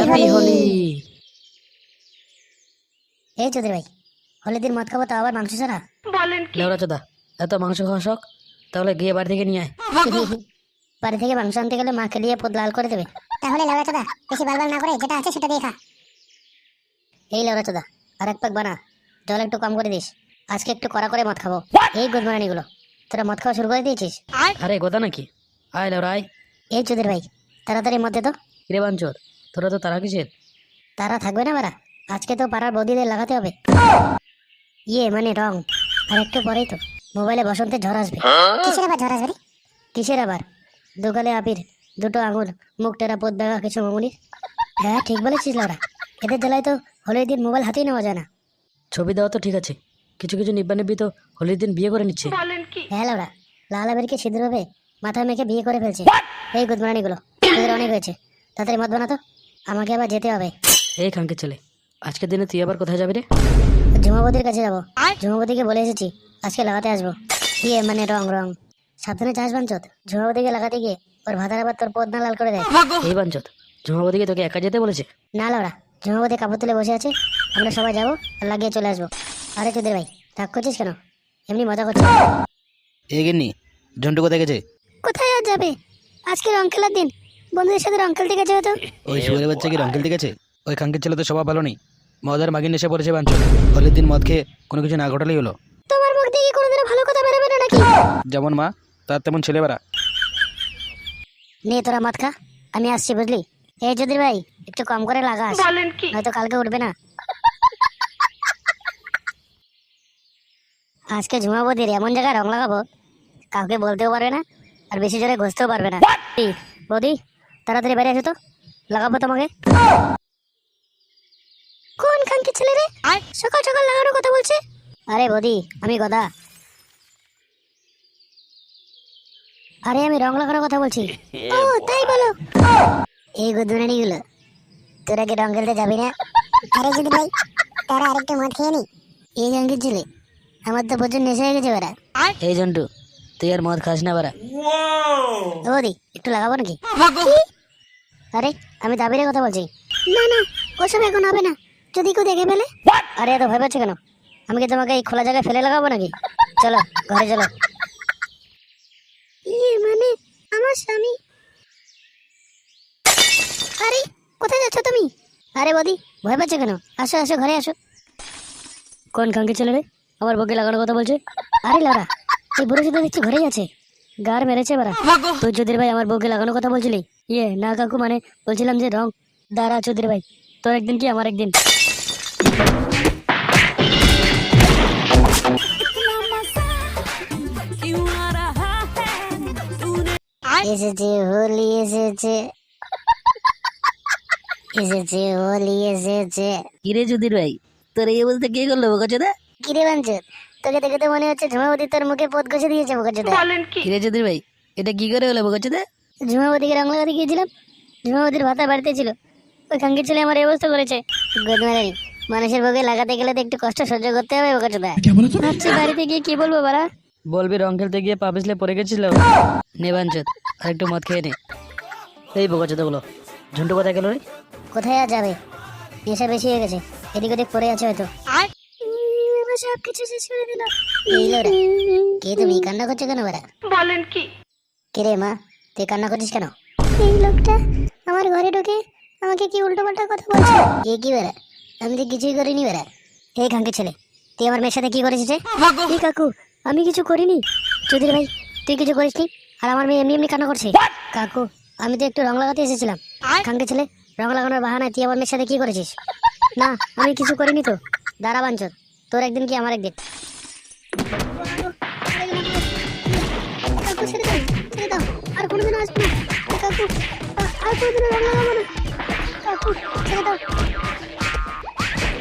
Happy Holi. এই চৌধুরী ভাই, হোলির দিন মদ খাবো তো আবার মাংস ছাড়া? লেওড়া চোদা, এত মাংস খাওয়া শখ? তাহলে গিয়ে বাড়ি থেকে নিয়ে আয়। বাড়ি থেকে মাংস আনতে গেলে মা খেলিয়ে পদ লাল করে দেবে। তাহলে লেওড়া চোদা বেশি বালবাল না করে যেটা আছে সেটা দিয়ে খা। এই লেওড়া চোদা, আর এক প্যাক বানা, জল একটু কম করে দিস, আজকে একটু কড়া করে মদ খাবো। এই গুদমারানিগুলো, তোরা মদ খাওয়া শুরু করে দিয়েছিস? আরে গোদা নাকি? আয় লেওড়া আয়। এই চৌধুরী ভাই, তাড়াতাড়ি মদ দে তো। কিরে বাঞ্চোদ, তোরা তো তারা কিসের? তারা থাকবে না বারা, আজকে তো পাড়ার বৌদিদের লাগাতে হবে। ইয়ে মানে রং, আর একটু পরেই তো মোবাইলে বসন্তের ঝড় আসবে। কিসের আবার ঝড় আসবে রে? কিসের আবার? দুগালে আবির, দুটো আঙুল, মুখ টেরা পদ দেখা কিছু মামুনির। হ্যাঁ ঠিক বলেছিস লাউরা, এদের জ্বালায় তো হোলির দিন মোবাইল হাতেই নেওয়া যায় না। ছবি দেওয়া তো ঠিক আছে, কিছু কিছু নিব্বা নিব্বি তো হোলির দিন বিয়ে করে নিচ্ছে। হ্যাঁ লাউরা, লাল আবিরকে সিঁদুর হবে মাথায় মেখে বিয়ে করে ফেলছে। এই গুদমারানিগুলো, এদের অনেক হয়েছে, তাড়াতাড়ি মদ বানাতো, আমাকে আবার যেতে হবে। এই খাঙ্কের ছেলে, আজকের দিনে তুই আবার কোথায় যাবি রে? ঝুমাবতির কাছে যাবো, ঝুমাবতিকে বলে এসেছি আজকে লাগাতে আসবো। ইয়ে মানে রং রং, সাবধানে চাষ বাঞ্চত, ঝুমাবতিকে লাগাতে গিয়ে ওর ভাতার আবার তোর পদ না লাল করে দেয়। এই বাঞ্চোদ, ঝুমাবতীকে তোকে একা যেতে বলেছে? না লাউরা, ঝুমাবতী কাপড় তুলে বসে আছে, আমরা সবাই যাবো আর লাগিয়ে চলে আসবো। আরে চোদের ভাই, রাগ করছিস কেন? এমনি মজা করছিস। এ গিন্নি, ঝন্টু কোথায় গেছে? কোথায় আর যাবে, আজকে রং খেলার দিন, বন্ধুদের সাথে রং খেলতে গেছে হয়তো। ওই শুয়ারের বাচ্চা কি রং খেলতে গেছে? ওই খাঙ্কের ছেলে তো স্বভাব ভালো নেই, মদ আর মাগির নেশা পড়েছে বাঞ্চল। হোলির দিন মদ খেয়ে কোনো কিছু না ঘটালেই হলো। তোমার মুখ দিয়ে কি কোনোদিনও ভালো কথা বেরোবে না নাকি? যেমন মা তার তেমন ছেলেবেলা। নে তোরা মদ খা, আমি আসছি বুঝলি। এই চৌধুরী ভাই, একটু কম করে লাগাস, হয়তো কালকে উঠবে না। আজকে ঝুমাবতির এমন জায়গায় রং লাগাবো, কাউকে বলতেও পারবে না, আর বেশি জোরে ঘষতেও পারবে না। এই, বৌদি তাড়াতাড়ি বেরিয়ে এসো তো, লাগাবো তোমাকে। কোন খানকি ছেলে রে, সকাল সকাল লাগানোর কথা বলছে? আরে বৌদি, আমি গদা। আরে আমি রং লাগানোর কথা বলছি। ও তাই বলো। এই গুদমানি গুলো, তোরা কি রং খেলতে যাবি না? আরে যদি ভাই তারা আরেকটু মদ খেয়ে নি। এই খানকি ছেলে, আমার তো প্রচুর নেশা হয়ে গেছে বেড়া। এই জন্টু, তুই আর মদ খাস না বারা। বৌদি একটু লাগাবো নাকি? আরে আমি দাবিরে কথা বলছি। না না, ওসব এখন হবে না, যদি কেউ দেখে ফেলে। আরে এত ভয় পাচ্ছ কেন? আমি কি তোমাকে এই খোলা জায়গায় ফেলে লাগাবো নাকি? চলো ঘরে চলো। ইয়ে মানে আমার স্বামী। আরে কোথায় যাচ্ছ তুমি? আরে বৌদি ভয় পাচ্ছ কেন? আসো আসো ঘরে আসো। কোন খাঙ্কি ছেলে রে, আমার বউকে লাগানোর কথা বলছে? আরে লাউরা, এই বুড়ো শুধু দেখছি ঘরেই আছে, গার মেরেছে বারা। তুই চৌধুরী ভাই আমার বউকে লাগানোর কথা বলছিলি? ইয়ে না কাকু, মানে বলছিলাম যে রং। দাঁড়া চৌধুরী ভাই, তোর একদিন কি আমার একদিন। এসেছে হোলি এসেছে, এসেছে হোলি এসেছে। কিরে চুদির ভাই, তোর এই বলতে কে করলো বোকাচোদা? কিরে বাঞ্চত, তোকে দেখে তো মনে হচ্ছে ঝুমাবতী তোর মুখে পদ ঘষে দিয়েছে বোকাচোদা। কিরে চুদির ভাই, এটা কি করে হলো বোকাচোদা? ঝুমাবতীকে রং লাগাতে গিয়েছিলাম, ঝুমাবতীর ভাতা বাড়িতে ছিল, ওই খাঙ্কির ছেলে আমার এই অবস্থা করেছে। গোদমারানি, মানুষের বউকে লাগাতে গেলে তো একটু কষ্ট সহ্য করতে হবে বোকাচোদা। ভাবছি বাড়িতে গিয়ে কি বলবো বাড়া। বলবি রং খেলতে গিয়ে পা পিছলে পড়ে গেছিল। নে বাঞ্চোদ, আর একটু মদ খেয়ে নে। এই বোকাচোদা গুলো, ঝন্টু কোথায় গেল রে? কোথায় আর যাবে, নেশা বেশি হয়ে গেছে, এদিক ওদিক পড়ে আছে হয়তো। সব কিছু শেষ করে দিল। এই লোরা, কে তুমি কান্না করছো কেন বাড়া? বলেন কি? কে রে মা, তুই কান্না করছিস কেন? এই লোকটা আমার ঘরে ঢুকে আমাকে কি উল্টো পাল্টা কথা বলছে। এ কি বেড়া, আমি তো কিছুই করিনি বেড়া। এই খাঙ্কি ছেলে, তুই আমার মেয়ের সাথে কি করেছিস রে? এই কাকু, আমি কিছু করিনি। চৌধুরী ভাই, তুই কিছু করিসনি, আর আমার মেয়ে এমনি এমনি কান্না করছে। কাকু, আমি তো একটু রং লাগাতে এসেছিলাম। খাঙ্কি ছেলে, রং লাগানোর বাহানায় তুই আমার মেয়ের সাথে কি করেছিস? না আমি কিছু করিনি তো। দাঁড়া বাঞ্চত, তোর একদিন কি আমার একদিন। কাকু ছেড়ে দাও, ছেড়ে দাও, আর কোনোদিন আসবো না। কাকু আর কোনোদিন রং লাগাবো না। কাকু ছেড়ে দাও।